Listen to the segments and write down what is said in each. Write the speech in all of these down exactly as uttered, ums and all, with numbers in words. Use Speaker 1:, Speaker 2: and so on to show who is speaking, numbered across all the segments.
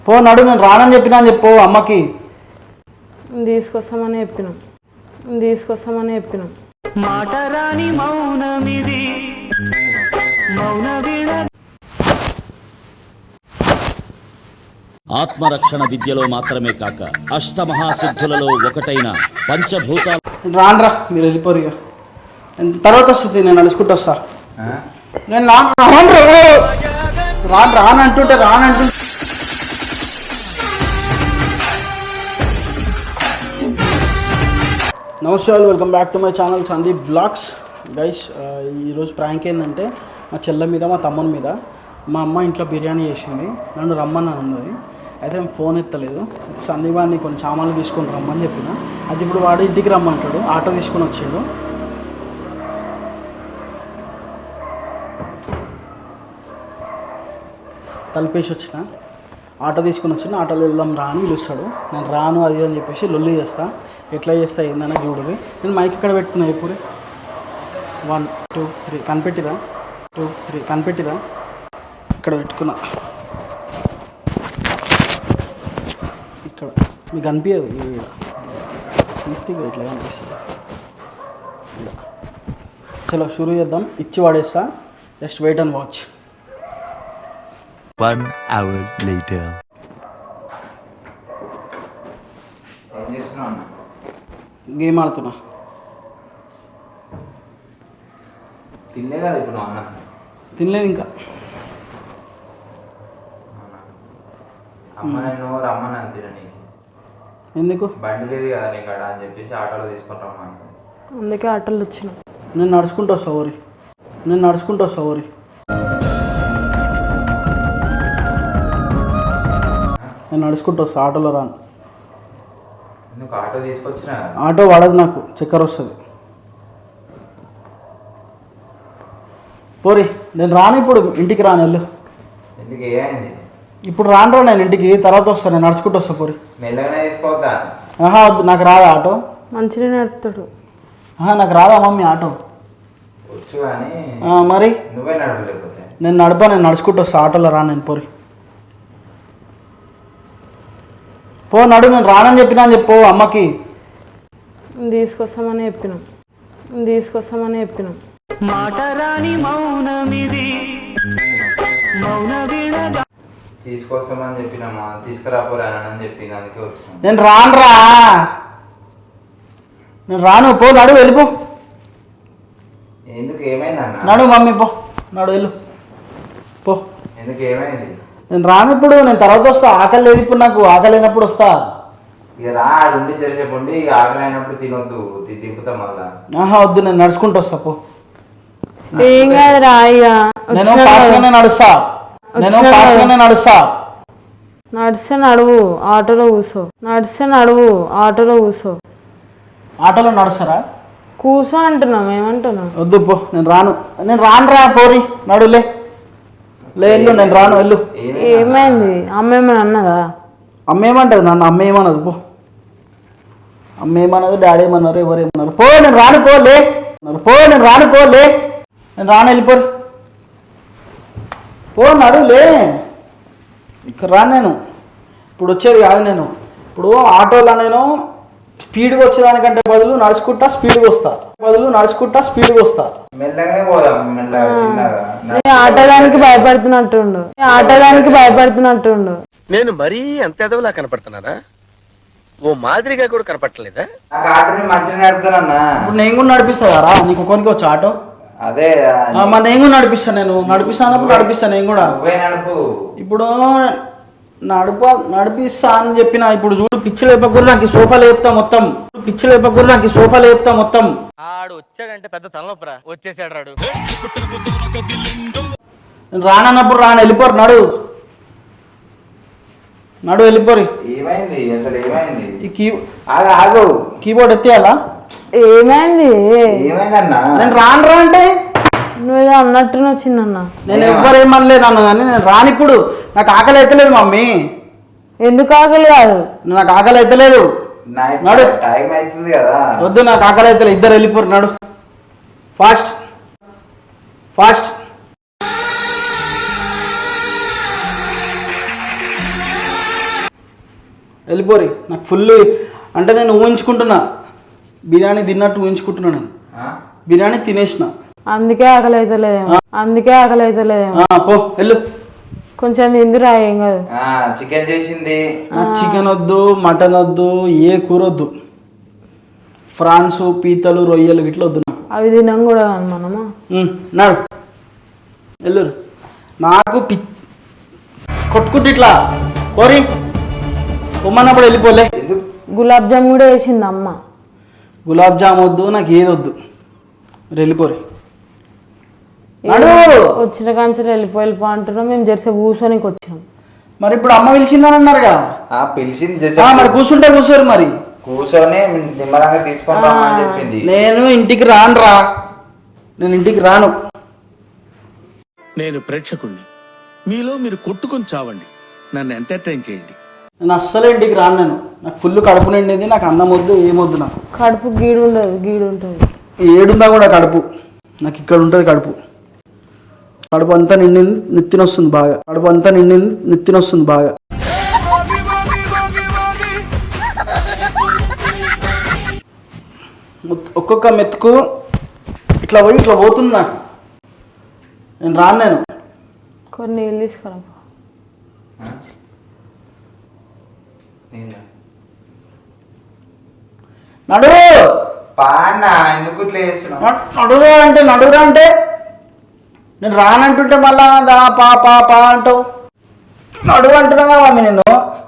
Speaker 1: పో నడు, నేను రానని చెప్పినా అని చెప్పు అమ్మకి.
Speaker 2: తీసుకొస్తామని చెప్పినాం తీసుకొస్తామని చెప్పినాం
Speaker 3: మాట రాని మౌనమిది మౌన వీణ.
Speaker 4: ఆత్మరక్షణ విద్యలో మాత్రమే కాక అష్టమహాసిద్ధులలో ఒకటైన పంచభూతాలు.
Speaker 1: రానరా, మీరు వెళ్ళిపోరు ఇక. తర్వాత వస్తుంది, నేను నడుచుకుంటూ వస్తా. నేను రాను రానంటుంటే రానంటుంటే నమస్తే, welcome back to my channel Sandeep vlogs. Guys, ఈరోజు ప్రాంక్ ఏంటంటే మా చెల్ల మీద మా తమ్ముని మీద. మా అమ్మ ఇంట్లో బిర్యానీ చేసింది, నన్ను రమ్మని అన్నది. అయితే నేను ఫోన్ ఎత్తలేదు. సందీపాన్ని కొన్ని సామాన్లు తీసుకొని రమ్మని చెప్పిన. అది ఇప్పుడు వాడు ఇంటికి రమ్మంటాడు, ఆటో తీసుకొని వచ్చిండు. తలిపేసి వచ్చిన, ఆటో తీసుకుని వచ్చిన. ఆటోలో వెళ్దాం రా అని పిలుస్తాడు. నేను రాను అది అని చెప్పేసి లొల్లి చేస్తా. ఎట్లా చేస్తా ఏందని చూడరు. నేను మైక్ ఇక్కడ పెట్టుకున్నా. ఇప్పుడు వన్ టూ త్రీ కనిపెట్టిరా, టూ త్రీ కనిపెట్టిరా, ఇక్కడ పెట్టుకున్నా. ఇక్కడ మీకు కనిపించదు, తీస్తే ఇట్లా కనిపిస్తుంది. చలో షురూ చేద్దాం. ఇచ్చి వాడేస్తా, just wait and watch.
Speaker 5: One hour later.
Speaker 1: Game ఆడుతున్నా.
Speaker 6: తినలేదా ఇప్పుడు అన్న?
Speaker 1: తినలేదు ఇంకా.
Speaker 6: అమ్మ నేను రమ్మని అంతేనా నీకు?
Speaker 1: ఎందుకు?
Speaker 6: బండి లేదు కదా నీకు అక్కడ అని చెప్పేసి ఆటోలో తీసుకుంటాం.
Speaker 2: అందుకే ఆటోలు వచ్చినాం.
Speaker 1: నేను నడుచుకుంటూ వస్తా ఊరి, నేను నడుచుకుంటూ వస్తా ఊరి. నేను నడుచుకుంటూ వస్తా, ఆటోలో రాను.
Speaker 6: ఎందుకు ఆటో తీసుకొచ్చినా?
Speaker 1: ఆటో వాడదు, నాకు చక్కెర వస్తుంది. పోరి, నేను రాను ఇప్పుడు, ఇంటికి రాను. వెళ్ళు.
Speaker 6: ఎందుకు ఏమైంది?
Speaker 1: ఇప్పుడు రాను రా, నేను ఇంటికి తర్వాత వస్తాను. నేను నడుచుకుంటూ వస్తా. పోరి.
Speaker 6: మెల్లగానే తీసుకోవద్దా?
Speaker 1: ఆహా వద్దు, నాకు రాదా ఆటో.
Speaker 2: మంచిగా నడుపుతాడు.
Speaker 1: ఆహా నాకు రాదా మమ్మీ ఆటో.
Speaker 6: వచ్చు కానీ
Speaker 1: మరి
Speaker 6: నువ్వే నడపలేకపోతే.
Speaker 1: నేను నడపా, నేను నడుచుకుంటూ వస్తా. ఆటోలో రాను నేను. పోరి పో నడు, నేను రానని చెప్పినా అని చెప్పు అమ్మకి.
Speaker 2: తీసుకొస్తామని చెప్పినాం తీసుకొస్తామని చెప్పినాం
Speaker 3: మాట రాని మౌనమిది మౌన వీణ.
Speaker 6: తీసుకొస్తామని చెప్పినామా? తీసుకురాపోరానని చెప్పింది, అందుకే వచ్చినా.
Speaker 1: నేను రానురా, నేను రాను. పో నడు, వెళ్ళిపో.
Speaker 6: ఎందుకు ఏమైంది అన్న?
Speaker 1: నడు మమ్మీ, పో నడు, వెళ్ళు పో.
Speaker 6: ఎందుకు ఏమైంది?
Speaker 1: నేను రాను ఇప్పుడు, నేను తర్వాత వస్తా. ఆకలి లేదు ఇప్పుడు, నాకు ఆకలి అయినప్పుడు వస్తా.
Speaker 6: ఇక రా, ఆడుండి చెరిసేపు ఉండి ఇక ఆకలి అయినప్పుడు తినొద్దు, దింపుతాం మళ్ళా.
Speaker 1: ఆహా వద్దు, నేను నడుచుకుంటూ వస్తా. పో.
Speaker 2: ఏం కాదు రా, ఇక
Speaker 1: నేను ఫాస్ట్గానే నడుస్తా, నేను ఫాస్ట్గానే నడుస్తా.
Speaker 2: నడిస్తే నడువు, ఆటోలో కూర్చో. నడిస్తే నడువు, ఆటోలో కూర్చో.
Speaker 1: ఆటోలో నడుస్తారా?
Speaker 2: కూర్చో అంటున్నాం, ఏమంటున్నాం?
Speaker 1: వద్దు పో, నేను రాను. నేను రాను రా, పోరి నడులే. లే వెళ్ళు, నేను రాను, వెళ్ళు.
Speaker 2: ఏమైంది? అమ్మ ఏమైనా అన్నదా?
Speaker 1: అమ్మ ఏమంటది నన్ను? అమ్మ ఏమన్నది? పో. అమ్మ ఏమన్నది, డాడీ ఏమన్నారు, ఎవరు ఏమన్నారు? పో, నేను రాను. పో లే, పో, నేను రాను. పో లే, నేను రాను, వెళ్ళిపోరు. పో నడు లే. ఇక్కడ రాను నేను. ఇప్పుడు వచ్చేది కాదు నేను. ఇప్పుడు ఆటోలో నేను స్పీడ్గా వచ్చేదానికంటే బదులు నడుచుకుంటా స్పీడ్గా వస్తా, బదులు నడుచుకుంటా స్పీడ్గా వస్తా.
Speaker 6: మెల్లగానే పోదాం, మెల్లగా చిన్నగా.
Speaker 2: ఆటోదానికి భయపడుతున్నట్టుండు, ఆటోదానికి భయపడుతున్నట్టుండు.
Speaker 7: నేను మరీ అంత ఎదవలా కనపడుతున్నారా? ఓ మాదిరిగా కూడా కనపడలేదా?
Speaker 6: నాకు ఆటోని మంచిగా నడుపుతానన్నా.
Speaker 1: ఇప్పుడు నేను కూడా నడిపిస్తా కదా, నీకు కొనికి వచ్చి ఆటో.
Speaker 6: అదే
Speaker 1: మరి నేను కూడా నడిపిస్తాను, నేను నడిపిస్తానప్పుడు నడిపిస్తాను నేను కూడా.
Speaker 6: నువ్వే నడుపు.
Speaker 1: ఇప్పుడు నడుప నడిపిస్తా అని చెప్పిన. ఇప్పుడు చూడు, పిచ్చి లేపకూడదు నాకు ఈ సోఫా లేపుతా మొత్తం. పిచ్చి లేపకూడదు నాకు ఈ సోఫా లేపుతా మొత్తం.
Speaker 7: ఆడు వచ్చాడంటే పెద్ద తలనొప్పరా, వచ్చేసాడు రాడు.
Speaker 1: నేను రానన్నప్పుడు రాను, వెళ్ళిపోరు. నడు నడు, వెళ్ళిపోరు.
Speaker 6: ఏమైంది అసలు? ఏమైంది?
Speaker 1: ఈ కీ
Speaker 6: ఆగు ఆగు,
Speaker 1: కీబోర్డ్ ఎత్తేయాలా?
Speaker 2: ఏమైంది?
Speaker 6: ఏమైందన్నా?
Speaker 1: నేను రాను రా అంటే
Speaker 2: నువ్వేదో అన్నట్టున్నా చిన్న.
Speaker 1: నేను ఎవ్వరేమనలే నన్ను, కానీ నేను రాను. ఇప్పుడు నాకు ఆకలి అవుతలేదు మమ్మీ.
Speaker 2: ఎందుకు ఆకలి కాదు?
Speaker 1: నాకు ఆకలి అవుతలేదు.
Speaker 6: నడు, టైం అవుతుంది కదా.
Speaker 1: వద్దు, నాకు ఆకలి అవుతలేదు. ఇద్దరు వెళ్ళిపోరు. నడు ఫాస్ట్ ఫాస్ట్. వెళ్ళిపోరి. నాకు ఫుల్ అంటే నేను ఊహించుకుంటున్నా, బిర్యానీ తిన్నట్టు ఊహించుకుంటున్నా. నేను బిర్యానీ తినేసిన,
Speaker 2: అందుకే ఆకలి అవుతలేదేమో, అందుకే ఆకలి అవుతలేదేమో.
Speaker 1: పో వెళ్ళు.
Speaker 2: కొంచెం తిందిరా, ఏం కాదు.
Speaker 6: చికెన్ చేసింది.
Speaker 1: నాకు చికెన్ వద్దు, మటన్ వద్దు, ఏ కూర వద్దు. ఫ్రాన్స్, పీతలు, రొయ్యలు ఇట్లా వద్దు నాకు.
Speaker 2: అవి తినం కూడా కాదు మనము.
Speaker 1: నాడు వెళ్ళు. నాకు పి కొట్టుకుంటు ఇట్లా కోరి పొమ్మన్నప్పుడు వెళ్ళిపోలే.
Speaker 2: గులాబ్ జామ్ కూడా వేసింది అమ్మ.
Speaker 1: గులాబ్ జామ్ వద్దు, నాకు ఏది వద్దు, మీరు వెళ్ళిపోరి.
Speaker 2: వచ్చిన కాంచెలు వెళ్ళిపో వెళ్ళిపో అంటున్నాం. మేము జెర్సీ కూర్చోనికి వచ్చాం.
Speaker 1: మరి ఇప్పుడు అమ్మ పిలిచిందని అన్నారుగా.
Speaker 6: పిలిచింది
Speaker 1: మరి కూర్చుంటే కూర్చోరు. మరి
Speaker 6: కూర్చొని నిమ్మలంగా తీసుకొని రమ్మని చెప్పింది.
Speaker 1: నేను ఇంటికి రాను రా, నేను ఇంటికి రాను.
Speaker 5: నేను ప్రేక్షకుణ్ణి, మీలో మీరు కొట్టుకొని చావండి, నన్ను ఎంటర్టైన్ చేయండి.
Speaker 1: నేను అస్సలే ఇంటికి రాను. నేను నాకు ఫుల్ కడుపు నిండింది, నాకు అన్నం వద్దు, ఏమొద్దు. నాకు
Speaker 2: కడుపు గీడు ఉండదు, గీడు ఉంటుంది.
Speaker 1: ఏడుందా కూడా కడుపు, నాకు ఇక్కడ ఉంటుంది కడుపు. కడుపు అంతా నిండింది, నెత్తిన వస్తుంది బాగా. కడుపు అంతా నిండింది, నెత్తిన వస్తుంది బాగా. ఒక్కొక్క మెతుకు ఇట్లా పోయి ఇట్లా పోతుంది నాకు. నేను రాను. నేను
Speaker 2: కొన్ని నీళ్ళు తీసుకురా.
Speaker 1: నడు
Speaker 6: పానా ఎందుకు ఇట్లా చేస్తున్నావు?
Speaker 1: నడురా అంటే నడురా అంటే నేను రానంటుంటే మళ్ళా దా పా పా పా అంటావు. నడువు అంటున్నా మమ్మీ నేను.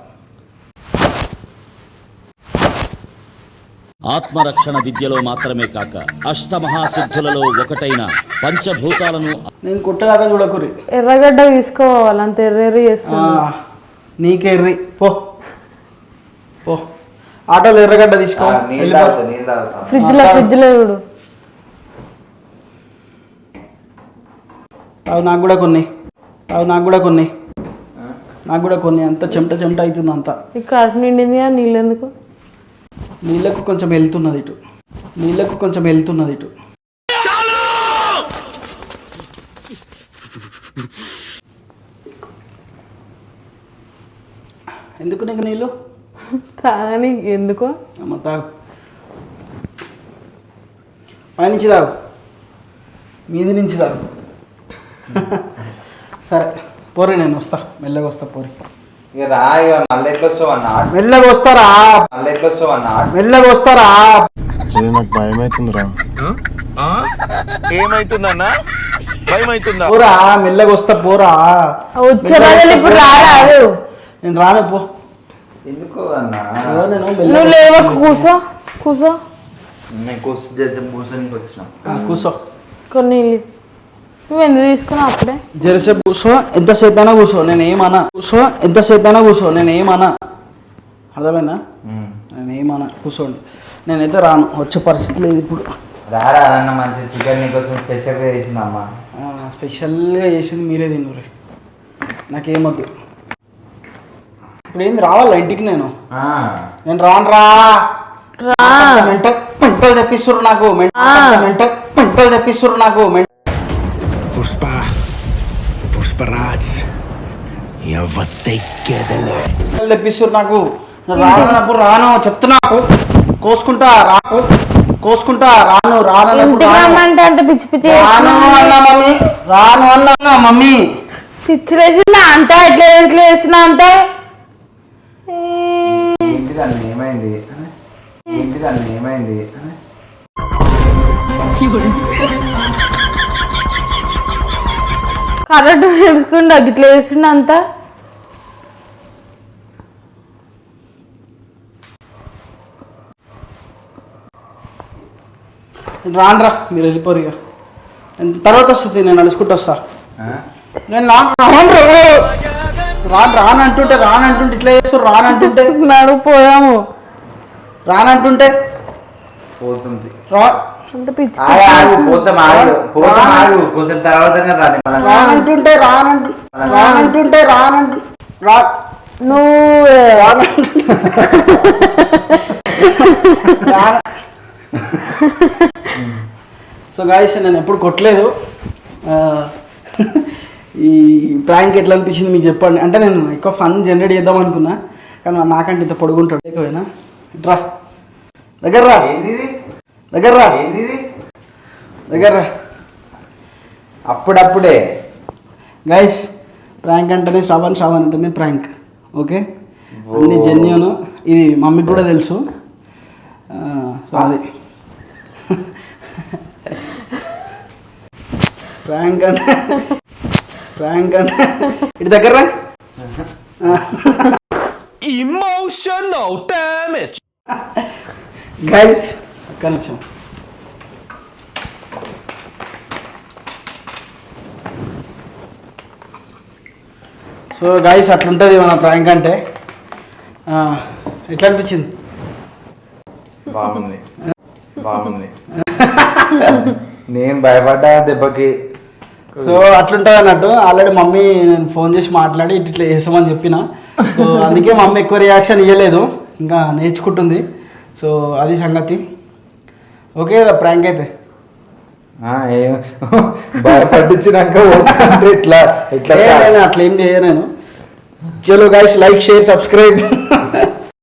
Speaker 4: ఆత్మరక్షణ విద్యలో మాత్రమే కాక అష్టమహాసిద్ధులలో ఒకటైన పంచభూతాలను
Speaker 1: నేను కుట్టదాకా చూడకురి.
Speaker 2: ఎర్రగడ్డ తీసుకోవాలి, అంత ఎర్రెర్రి చేస్తుంది.
Speaker 1: నీకెర్రి పో పో. ఆటోలో ఎర్రగడ్డ తీసుకో.
Speaker 2: ఫ్రిడ్జ్ లో ఫ్రిడ్జ్ లో చూడు.
Speaker 1: అవి నాకు కూడా కొన్ని, అవి నాకు కూడా కొన్ని, నాకు కూడా కొన్ని. అంత చెమట చెమట అవుతుంది అంతా.
Speaker 2: ఈ కడుపు నిండింది కదా, నీళ్ళు ఎందుకు?
Speaker 1: నీళ్ళకు కొంచెం వెళ్తున్నది ఇటు, నీళ్ళకు కొంచెం వెళ్తున్నది ఇటు. ఎందుకు నీకు నీళ్ళు?
Speaker 2: తాగని ఎందుకో.
Speaker 1: అమ్మ తాగు, పైనుంచి తాగు, మీది నుంచి తాగు. సరే పోరి, నేను వస్తా, మెల్లగా వస్తా పోరి.
Speaker 6: ఇక రా, ఇక మళ్ళీ ఎట్లా వస్తావు అన్న?
Speaker 1: మెల్లగా వస్తారా,
Speaker 6: మళ్ళీ ఎట్లా వస్తావు అన్న?
Speaker 1: మెల్లగా వస్తారా.
Speaker 5: నాకు భయం అవుతుందిరా. ఏమైతుందన్నా? భయం అవుతుందా?
Speaker 1: పోరా, మెల్లగా వస్తా పోరా.
Speaker 2: వచ్చే రోజులు ఇప్పుడు రారాదు.
Speaker 1: నేను రాను పో.
Speaker 6: ఎందుకు అన్న?
Speaker 1: నేను
Speaker 2: నువ్వు లేవకు, కూర్చో కూర్చో.
Speaker 6: నేను కూర్చో చేసి కూర్చొనికి వచ్చిన.
Speaker 1: కూర్చో.
Speaker 2: కొన్ని నువ్వు ఎందుకు తీసుకున్నావు అప్పుడే?
Speaker 1: జెర్సీ కూర్చో, ఎంతసేపు అయినా కూర్చో, నేను ఏమన్నా. కూర్చో, ఎంతసేపు అయినా కూర్చో, నేను ఏమన్నా. అర్థమైందా? నేను ఏమన్నా, కూర్చోండి. నేనైతే రాను, వచ్చే పరిస్థితి లేదు ఇప్పుడు.
Speaker 6: రారా అన్న, మంచి చికెన్ నీకోసం స్పెషల్గా చేసిందమ్మా.
Speaker 1: స్పెషల్గా చేసింది మీరే తిన్నారు, నాకేమొద్దు. ఇప్పుడు ఏంది రావాలా ఇంటికి? నేను నేను రాను రా. మెంటల్ మెంటల్ తెప్పిస్తుర్రు నాకు, మెంటల్ మెంటల్ తెప్పిస్తుర్రు నాకు.
Speaker 5: పుష్ప పుష్పరాజ్
Speaker 1: తెప్పిస్తుర్రు నాకు. రానప్పుడు రాను చెప్తున్నా, కోసుకుంటా రాకు, కోసుకుంటా రాను. రానప్పుడు
Speaker 2: అంటే పిచ్చి పిచ్చి
Speaker 1: రాను అన్నా మమ్మీ, రాను అన్నా మమ్మీ.
Speaker 2: పిచ్చి వేసినా అంట, ఎట్లా ఎట్లా వేసినా అంటే.
Speaker 6: ఏంటిదన్న ఏమైంది? ఏంటిదన్న ఏమైంది?
Speaker 2: కరెక్ట్ తెలుసుకుంటా, ఇట్లా వేసిండు అంతా.
Speaker 1: రాను రా, మీరు వెళ్ళిపోరు. ఇక తర్వాత వస్తుంది, నేను నడుచుకుంటూ వస్తా. నేను రాను రానంటుంటే రానంటుంటే ఇట్లా చేస్తారు. రానంటుంటే
Speaker 2: నడుపు పోయాము,
Speaker 1: రానంటుంటే
Speaker 6: పోతుంది.
Speaker 1: రా
Speaker 2: అంత పిచ్చి
Speaker 6: పోతాం, ఆగు పోతాం, ఆగు కొంచెం తర్వాత
Speaker 1: రానంటుంటే రానంటు రానంటుంటే రానంటు రా.
Speaker 2: నువ్వు
Speaker 1: సో గాయస్, నేను ఎప్పుడు కొట్టలేదు. ఈ ప్రాంక్ ఎట్లా అనిపించింది మీకు చెప్పండి. అంటే నేను ఎక్కువ ఫన్ జనరేట్ చేద్దాం అనుకున్నా, కానీ నాకంటే ఇంత పొడుగుంటాడు లేకపోయినా ఇట్రా దగ్గర్రా
Speaker 6: ఏంది ఇది?
Speaker 1: దగ్గర్రా
Speaker 6: ఏంది ఇది?
Speaker 1: దగ్గర్రా
Speaker 6: అప్పుడప్పుడే
Speaker 1: గైస్ ప్రాంక్ అంటేనే శ్రవణ్ శ్రవణ్ అంటేనే ప్రాంక్ ఓకే అన్ని జెన్యూన్ ఇది మమ్మీకి కూడా తెలుసు సో అది ప్రాంక్ అంటే ప్రాంక్ అంటే ఇటు దగ్గర
Speaker 8: Emotional damage.
Speaker 1: గైస్ ఒక్క నిమిషం సో గైస్ అట్లుంటుంది మన ప్రాంక్ అంటే ఆ, ఎట్లా అనిపించింది
Speaker 6: బాగుంది బాగుంది నేను భయపడ్డా దెబ్బకి.
Speaker 1: సో అట్లుంటుంది అన్నట్టు ఆల్రెడీ మమ్మీ నేను ఫోన్ చేసి మాట్లాడి ఇట్లా ఇట్లా చేసామని చెప్పిన సో అందుకే మమ్మీ ఎక్కువ రియాక్షన్ ఇవ్వలేదు ఇంకా నేర్చుకుంటుంది సో అది సంగతి ఓకే ప్రాంక్ అయితే
Speaker 6: ఆ, ఏం భయపట్టించినాక ఇట్లా ఇట్లా
Speaker 1: ఏ, నేను అట్లా ఏం చేయను నేను చలో గైస్ లైక్ షేర్ సబ్స్క్రైబ్